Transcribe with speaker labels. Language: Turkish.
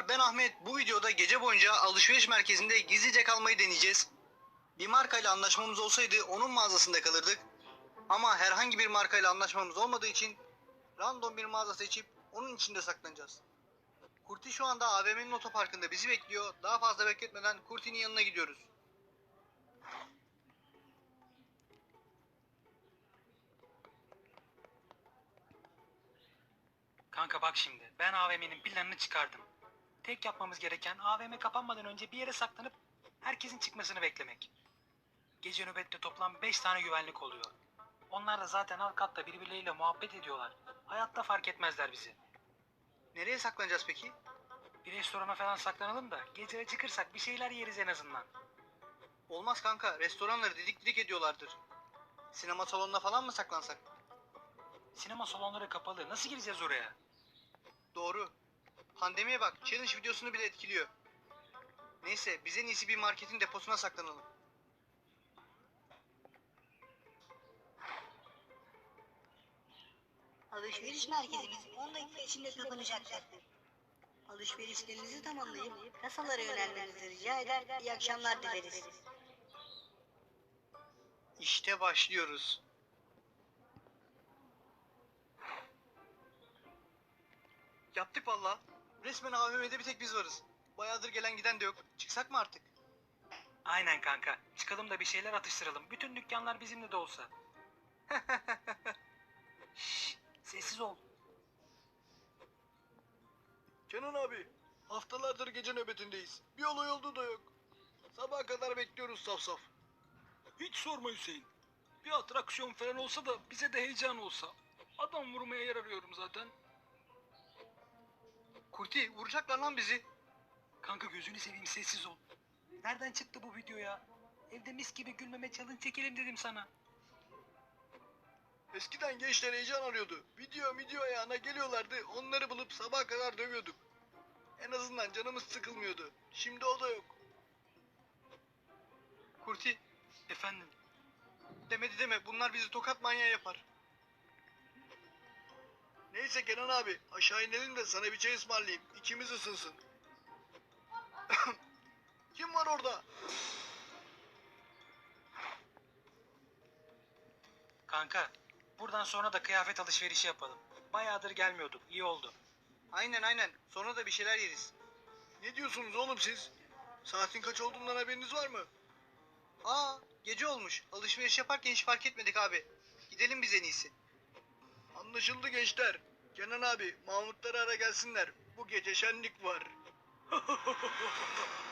Speaker 1: Merhaba, ben Ahmet. Bu videoda gece boyunca alışveriş merkezinde gizlice kalmayı deneyeceğiz. Bir markayla anlaşmamız olsaydı onun mağazasında kalırdık. Ama herhangi bir markayla anlaşmamız olmadığı için random bir mağaza seçip onun içinde saklanacağız. Kurti şu anda AVM'nin otoparkında bizi bekliyor. Daha fazla bekletmeden Kurti'nin yanına gidiyoruz.
Speaker 2: Kanka bak şimdi, ben AVM'nin planını çıkardım. Tek yapmamız gereken AVM kapanmadan önce bir yere saklanıp herkesin çıkmasını beklemek. Gece nöbette toplam 5 tane güvenlik oluyor. Onlar da zaten alt katta birbirleriyle muhabbet ediyorlar. Hayatta fark etmezler bizi.
Speaker 1: Nereye saklanacağız peki?
Speaker 2: Bir restorana falan saklanalım da gece çıkırsak bir şeyler yeriz en azından.
Speaker 1: Olmaz kanka, restoranları didik didik ediyorlardır. Sinema salonuna falan mı saklansak?
Speaker 2: Sinema salonları kapalı, nasıl gireceğiz oraya?
Speaker 1: Doğru. Pandemiye bak, challenge videosunu bile etkiliyor. Neyse, biz en iyisi bir marketin deposuna saklanalım.
Speaker 3: Alışveriş merkezimiz 10 dakika içinde kapanacaktır. Alışverişlerinizi tamamlayıp kasalara yönelmenizi rica eder, iyi akşamlar dileriz.
Speaker 1: İşte başlıyoruz. Yaptık valla. Resmen AVM'de bir tek biz varız. Bayağıdır gelen giden de yok. Çıksak mı artık?
Speaker 2: Aynen kanka, çıkalım da bir şeyler atıştıralım. Bütün dükkanlar bizimle de olsa. Şşş, sessiz ol.
Speaker 1: Kenan abi, haftalardır gece nöbetindeyiz. Bir olay olduğu da yok. Sabaha kadar bekliyoruz saf saf.
Speaker 2: Hiç sorma Hüseyin. Bir atraksiyon falan olsa da bize de heyecan olsa. Adam vurmaya yer arıyorum zaten.
Speaker 1: Kurti, vuracaklar lan bizi.
Speaker 2: Kanka gözünü seveyim, sessiz ol. Nereden çıktı bu video ya? Evde mis gibi gülmeme challenge çekelim dedim sana.
Speaker 1: Eskiden gençler heyecan arıyordu. Video ayağına geliyorlardı. Onları bulup sabaha kadar dövüyorduk. En azından canımız sıkılmıyordu. Şimdi o da yok. Kurti,
Speaker 2: Efendim?
Speaker 1: demedi deme. Bunlar bizi tokat manyağı yapar. Neyse Kenan abi, aşağı inelim de sana bir çay ısmarlayayım. İçimiz ısınsın. Kim var orada?
Speaker 2: Kanka, buradan sonra da kıyafet alışverişi yapalım. Bayağıdır gelmiyorduk, iyi oldu.
Speaker 1: Aynen. Sonra da bir şeyler yeriz. Ne diyorsunuz oğlum siz? Saatin kaç olduğundan haberiniz var mı? Aa, gece olmuş. Alışveriş yaparken hiç fark etmedik abi. Gidelim biz en iyisi. Anlaşıldı gençler. Kenan abi, Mahmutları ara gelsinler. Bu gece şenlik var.